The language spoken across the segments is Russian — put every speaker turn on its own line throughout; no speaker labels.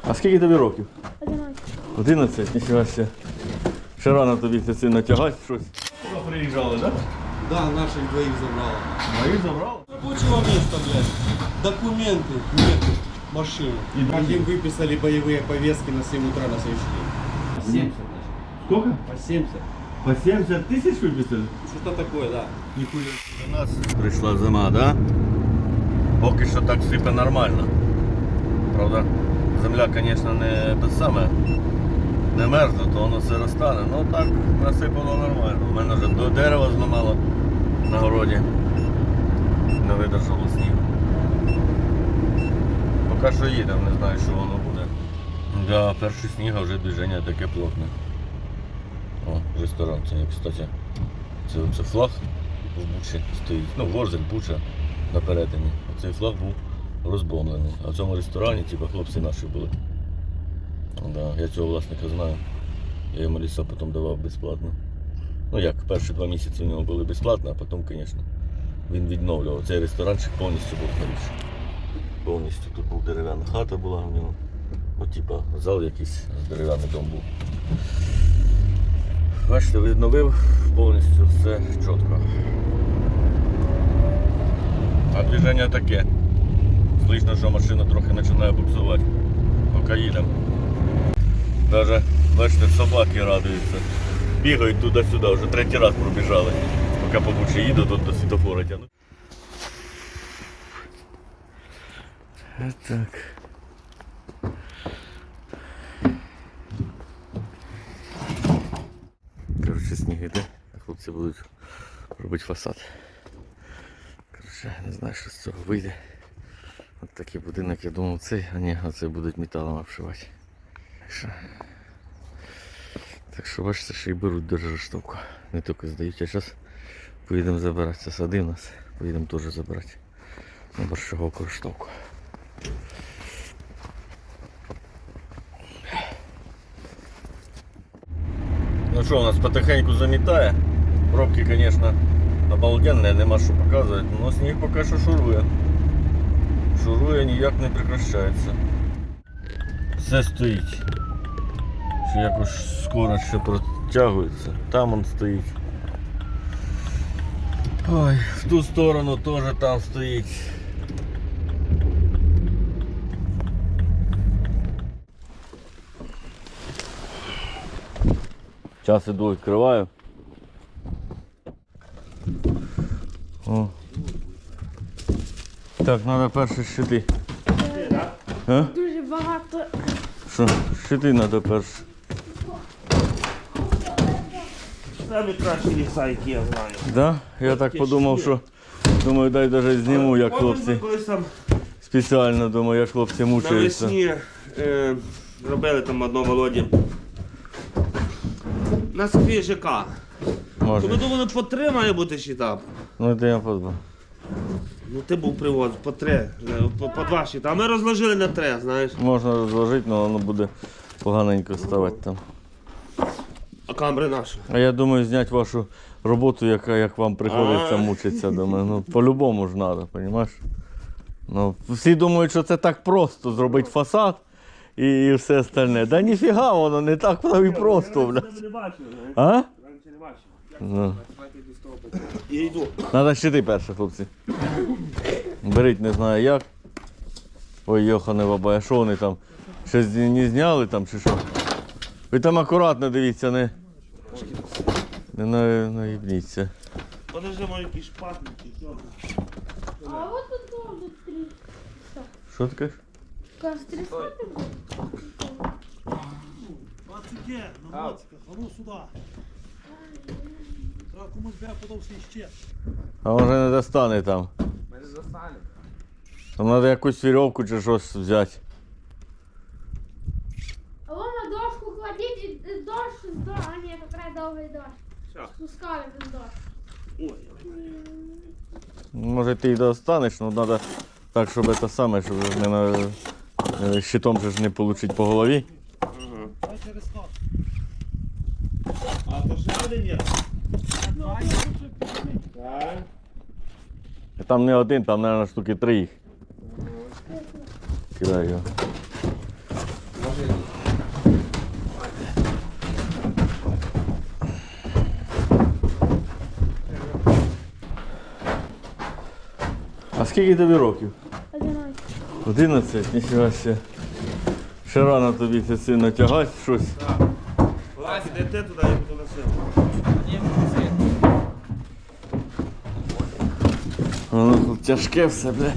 А скільки тобі років?
11.
11, ніхіба ще. Ще рано тобі це сильно тягати щось. Сюди приїжджали, так?
Да, наших двоих забрала.
Моїх забрали?
Рабочего места, блядь. Документы нету. Машины. Им выписали боевые повестки на 7 утра на следующий день. 70
Сколько?
По 70.
По 70 тисяч виписали?
Что такое, да.
Ніхуя. До нас прийшла зима, да? Поки що так сипе нормально. Правда, земля, звісно, не те саме. Не мерзне, то воно все розтане. Ну так насипало нормально. У мене вже до дерева зламало на городі. Не видержало снігу. Поки що їдемо, не знаю, що воно буде. Да, перший сніг, а вже движення таке плотне. О, ресторан, це, кстати, це флаг в Бучі стоїть. Ну, Ворзель, Буча на перетині. Оцей флаг був розбомблений. А в цьому ресторані, типу, хлопці наші були. Да, я цього власника знаю. Я йому ліса потім давав безплатно. Ну як, перші 2 місяці у нього були безплатно, а потім, звісно, він відновлював. Цей ресторанчик повністю був хороший. Повністю тут був дерев'яна хата була у нього. Ну, типа, зал якийсь, дерев'яний дом був. Бачите, відновив повністю все чітко. А движення таке. Слышно, що машина трохи починає буксувати. Поки їдемо. Даже, бачите, собаки радуються. Бігають туди-сюди, вже 3-й раз пробіжали. Поки по Бучі їду, тут до світофора тягну. Так. Коротше, сніг іде, а хлопці будуть робити фасад. Коротше, не знаю, що з цього вийде. Ось такий будинок, я думав цей, а ні, оцей будуть металом обшивати. Так що бачите, що і беруть держаштовку. Не тільки здають, а зараз поїдемо забирати. Це сади в нас, поїдемо теж забирати на борщаговку штовку. Ну що, у нас потихеньку замітає. Пробки, звісно, обалденні, нема що показувати, але сніг поки що шурує. Шурує, ніяк не прекращається. Все стоїть. Що якось скоро ще протягується. Там он стоїть. Ой, в ту сторону теж там стоїть. Зараз іду, відкриваю. О. Так, треба перші щити. А?
Дуже багато.
Що? Щити треба перші.
Самі кращі ліса, які я знаю.
Да? Я так подумав, що думаю, дай навіть зніму, як хлопці.
Колись там
Спеціально думаю, як хлопці мучаються.
навесні робили там одного Володі. На Софії ЖК. То ми
Може.
думали, по 3 має бути щита.
Ну це я подумав.
Ну ти був привоз, по 3, по 2 щита. А ми розложили на 3, знаєш.
Можна розложити, але воно буде поганенько ставати там.
А камери наші.
А я думаю, зняти вашу роботу, як вам приходиться мучитися. Думаю, ну по-любому ж треба, розумієш? Ну, всі думають, що це так просто зробити фасад і все остальне. Да ніфіга, воно не так і просто, блядь.
не бачив, знаєш.
А?
Раніше не бачив.
Ну.
Я йду.
Треба щити перше, хлопці. Беріть, не знаю як. Ой, йохане баба, а що вони там? Щось не зняли там чи що? Ви там акуратно дивіться, не наїбніться.
Подожди, мої якісь шпатники.
А от тут тоже 3.
Що ти кажеш?
Кажется, 3 сотни.
Є, на мотиках, а ну сюди. Треба комусь бля подався іще.
А може не достане там.
Ми не достанемо.
Там треба якусь вірьовку чи щось взяти.
А вон на дошку кладіть і дощ, а ні, якраз довгий дощ.
Все.
Спускали без дощ.
Ой,
Може ти й достанеш, але треба так, щоб це саме, щоб не на щитом же ж не отримати по голові.
Дай через хат.
а то ще один є?
Там не один, там, мабуть, штуки 3 їх. Кидай його. скільки тобі років?
11.
11, ніфіга ще. Ще рано тобі це сильно тягати щось.
Ладно, йдете туди, я буду носив.
Воно тяжке все, бля.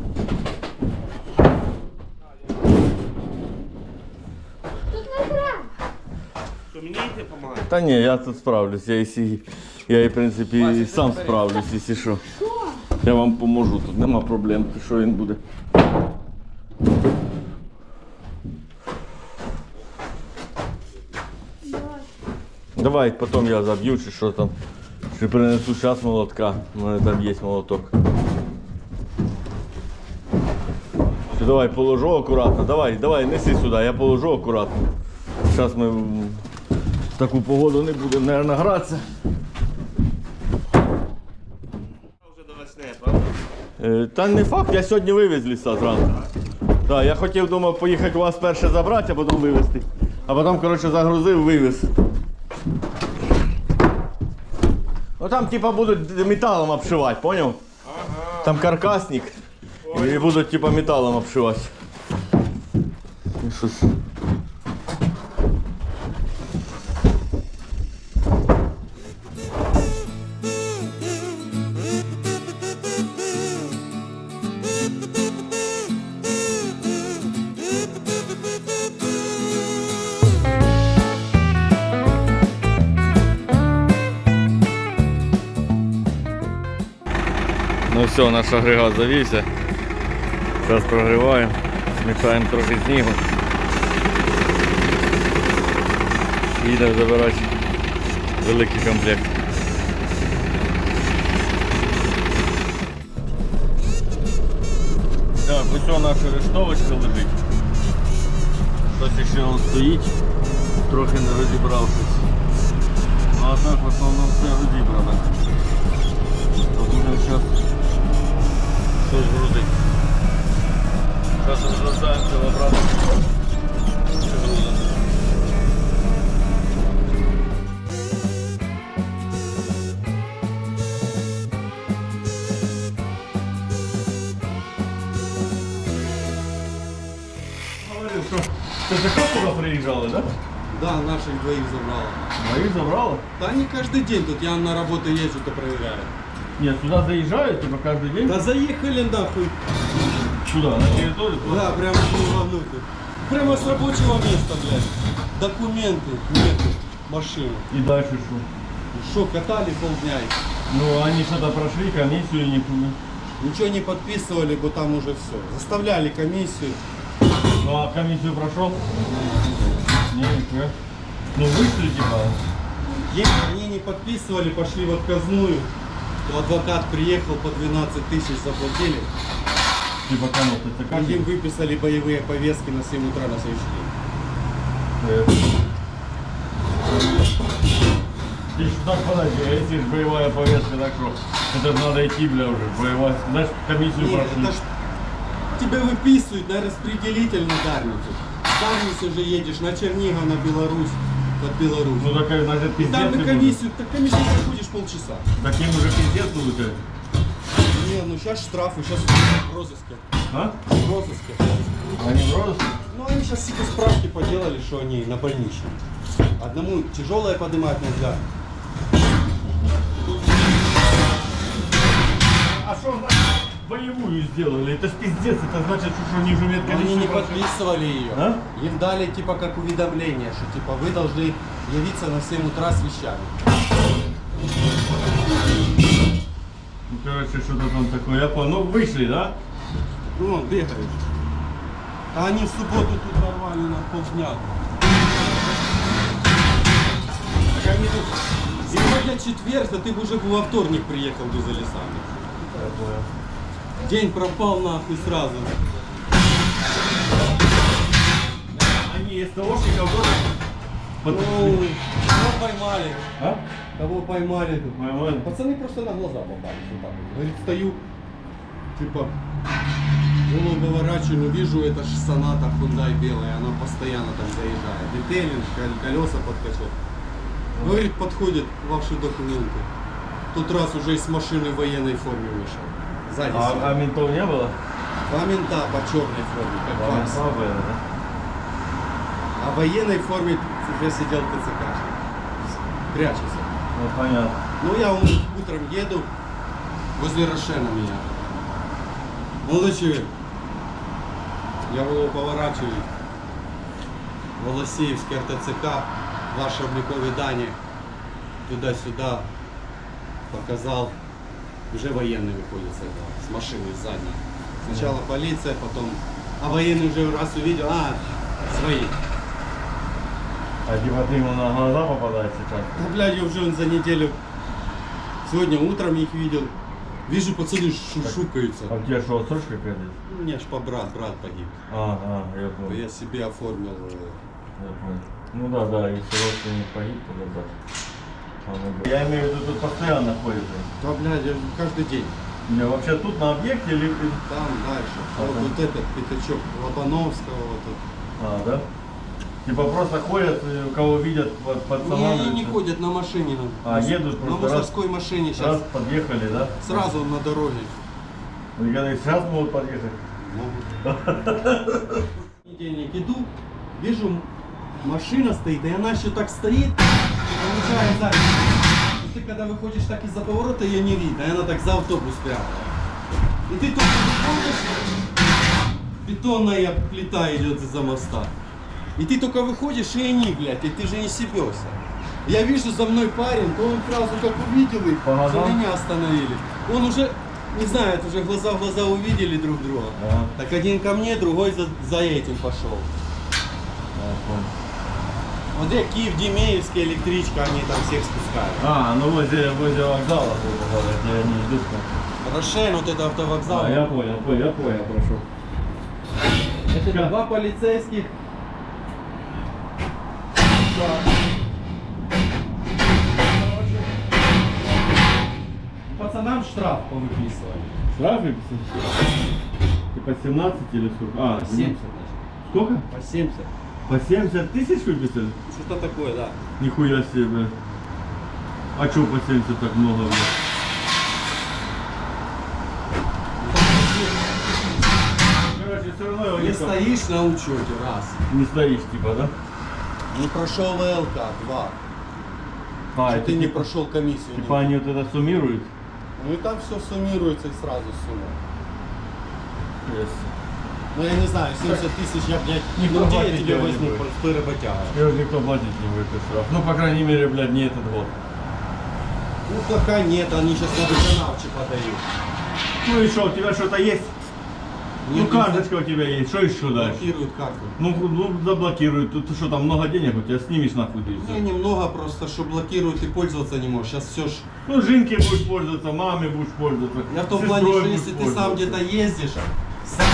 Тут не треба.
Що, мені йти допомагати?
Та ні, я тут справлюсь, я і в принципі і сам справлюсь, якщо що. Я вам поможу, тут нема проблем, що він буде. Давай, потім я заб'ю, чи що там. Чи принесу зараз молотка, у мене там є молоток. Все, давай, положу акуратно, давай, неси сюди, я положу акуратно. Зараз ми в таку погоду не будемо, мабуть, гратися.
Вже до весни, правда?
Та не факт, я сьогодні вивез ліса зранку. Так, я хотів, думав, поїхати вас перше забрати, а потім вивезти. А потім, коротше, загрузив, вивез. Ну там типа будуть металом обшивати, поняв? Ага. Там каркасник. І будуть типа металом обшивати. І щось. Ну все, наш агрегат завівся. Зараз прогріваємо, змішаємо трохи снігу. Їдемо забирати великий комплект. Так, ось наша рештовочка лежить. Щось ще он стоїть, трохи не розібравшись. Ну а так в основному все розібрано. Будемо зараз щось грузити. Зараз розгружаємося в обратно. Говорив, що ти за сюди приїжджали, так?
Да, наших двоих забрала.
Моїх забрали?
Да не каждый день, тут я на работу езжу, то проверяю.
Нет, сюда заезжают, типа каждый день?
Да заехали нахуй.
Сюда, на территорию?
Да, прямо вовнутрь. Прямо с рабочего места, блядь. Документы, нету, машину.
И дальше что?
Шо, катали полдня.
Ну, они что-то прошли, комиссию не...
Ничего не подписывали, бы там уже все. Заставляли комиссию.
Ну, а комиссию прошел? Нет. Ну, вышли, типа.
Если они не подписывали, пошли в отказную, то адвокат приехал, по 12 тысяч заплатили.
Типа кому-то это
Им выписали боевые повестки на 7 утра на следующий день.
Ты ж так подожди, а если ж боевая повестка, так что это ж надо идти, бля, уже, боевая. Знаешь, комиссию
Нет,
прошли.
это ж тебя выписывают на распределитель на Дарницу. В Дарницу же едешь на Чернигов, на Беларусь, под Беларусь.
Ну, так, значит,
И
пиздец.
там на
и
комиссию, так комиссию проходишь полчаса.
будет. Таким уже пиздец будет.
Не, ну сейчас штрафы, сейчас в розыске.
А?
В розыске.
Они в розыске?
Ну они сейчас типа справки поделали, что они на больничном. Одному тяжелое поднимать нельзя.
А что значит боевую сделали? Это ж пиздец, это значит, что они уже
Но они не
прошли.
подписывали ее.
А?
Им дали типа как уведомление, что типа вы должны явиться на 7 утра с вещами.
Ну, короче, что-то там такое. Я понял. Ну, вышли, да?
Ну, он бегает. А они в субботу тут нормально на полдня. Так они тут... Сегодня четверг, а ты бы уже во вторник приехал бы за лесами.
Я понял.
День пропал нахуй сразу.
Они из СТОшников тоже
Ну,
подошли.
кого поймали?
А?
Кого поймали?
Поймали.
Пацаны просто на глаза попались вот так вот. Говорит, стою, типа, голову поворачиваю, но вижу, это ж Соната Hyundai белая, она постоянно там заезжает. Детейлинг, колеса подкачал. Говорит, подходит ваши документы. Тот раз уже из машины в военной форме вышел. Сзади
А
сидят.
ментов не было?
Два мента по черной форме, как
Два
Вася.
мента были, да?
А в военной форме уже сидел ТЦКшник. Прячется.
Ну понятно.
Ну я утром еду, возле Рошена меня. Молодой человек. Я его поворачиваю. Волосеевский РТЦК, ваши обликовые дані. Туда-сюда показал. Уже военный выходит с этого, с машины задней. Сначала полиция, потом... А военный уже раз увидел, свои.
А типа ты ему на глаза попадаешь сейчас?
Да, блядь, я уже за неделю... Сегодня утром их видел. Вижу, пацаны шушукаются.
А у тебя что, отсрочка какая-то?
У меня ж брат погиб.
Я понял.
Я себе оформил.
Я понял. Ну да, если родственник погиб, то да. Я имею в виду, тут постоянно ходит.
Да, блядь, я каждый день.
Не, вообще тут на объекте или...
Там дальше. Вот этот пятачок Лобановского. Вот
да? Типа просто ходят, кого видят под
не, они не ходят на машине.
Едут
на
просто
мусорской машине
раз
сейчас.
подъехали, да?
Сразу на дороге.
И когда сейчас могут подъехать.
Могут. Понедельник иду, вижу, машина стоит, и она еще так стоит, получает сзади. И ты когда выходишь так из-за поворота, ее не видно, и она так за автобус прятала. И ты только выходишь, бетонная плита идет из-за моста. И ты только выходишь, и они, блядь, и ты же не себешься. Я вижу за мной парень, то он сразу как увидел их,
Ага.
что меня остановили. Он уже, не знаю, это уже глаза в глаза увидели друг друга.
Ага.
Так один ко мне, другой за этим пошел. Вот где Киев, Демеевская электричка, они там всех спускают.
Ну возле вокзала, грубо говоря, где они идут.
Рошен, вот это автовокзал.
Я понял, прошу.
Это два полицейских. Пацанам штраф повыписывали.
Штрафы? Типа 17 или сколько?
По 70, значит.
Сколько?
По 70.
По 70 тысяч выписали?
Что-то такое, да.
Нихуя себе, бля. А чё по 70 так много, бля? Короче, все равно его
Не стоишь на учете, раз.
Не стоишь, типа, да?
Не прошел ВЛК, два. Что
это
ты не
типа,
прошел комиссию.
типа они вот это суммируют?
Ну и там все суммируется и сразу сумма.
Yes.
Ну я не знаю, 70 тысяч я, блядь,
Никто
где я
платить
тебе
его не
возьму
будет.
простой работяга?
Его никто платить не будет этот штраф. Ну, по крайней мере, блядь, не этот год.
Ну пока нет, они сейчас на водоканалче подают.
Ну и что, у тебя что-то есть? Ну, карточка у тебя есть, что еще дальше?
Блокируют карту.
Ну, заблокируют. Ты что, там много денег, у тебя снимешь нахуй ты и
Не,
всё.
немного просто, что блокируют, ты пользоваться не можешь. Сейчас все ж...
Ну, Жинке будешь пользоваться, маме будешь пользоваться.
Я в том
сестрой
плане, что
будешь
если ты сам
пользоваться.
где-то ездишь, сам...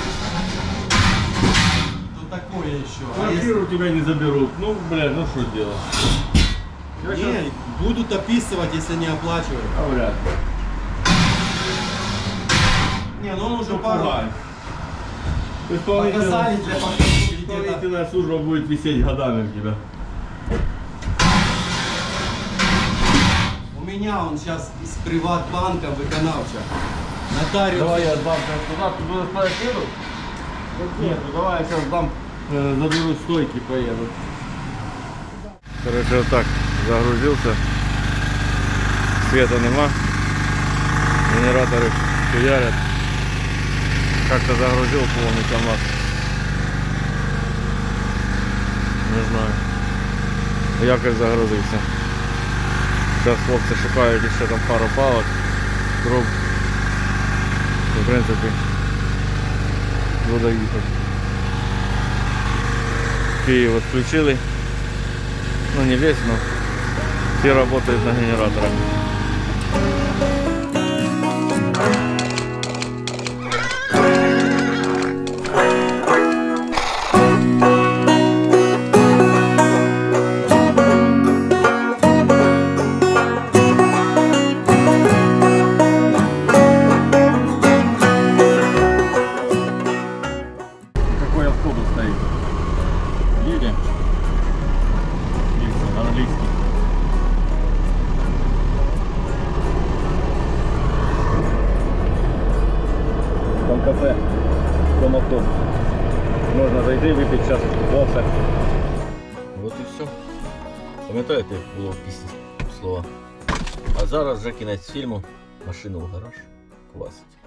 то такое еще. А
Квартиру у тебя не заберут. Ну, блядь, ну что делать?
если... Не, будут описывать, если не оплачивают.
А вряд ли.
Не, ну он уже
Ну,
пару...
пугай.
Показали для покупки где-то.
Исполнительная служба будет висеть годами у тебя.
У меня он сейчас из Приватбанка виконавча. Нотариус.
Давай я дам туда, ты будешь ставить еду? Нет, ну давай я сейчас дам, заберу стойки, поеду. Короче, вот так загрузился. Света нема. Генераторы хуярят. Как-то загрузил полный КамАЗ. Не знаю. Якось загрузився. Зараз хлопці шукають ще там пару палок, труб. І, в принципі, буду їхати. Київ відключили. Ну не весь, но все работают на генераторах. Какой автобус стоит? Едем. Английский. кафе Комавто. Можна зайти, випити чашечку кофе. От і все. Пам'ятаєте, як було в пісні слова? А зараз вже кінець фільму. Машину в гараж. Класить.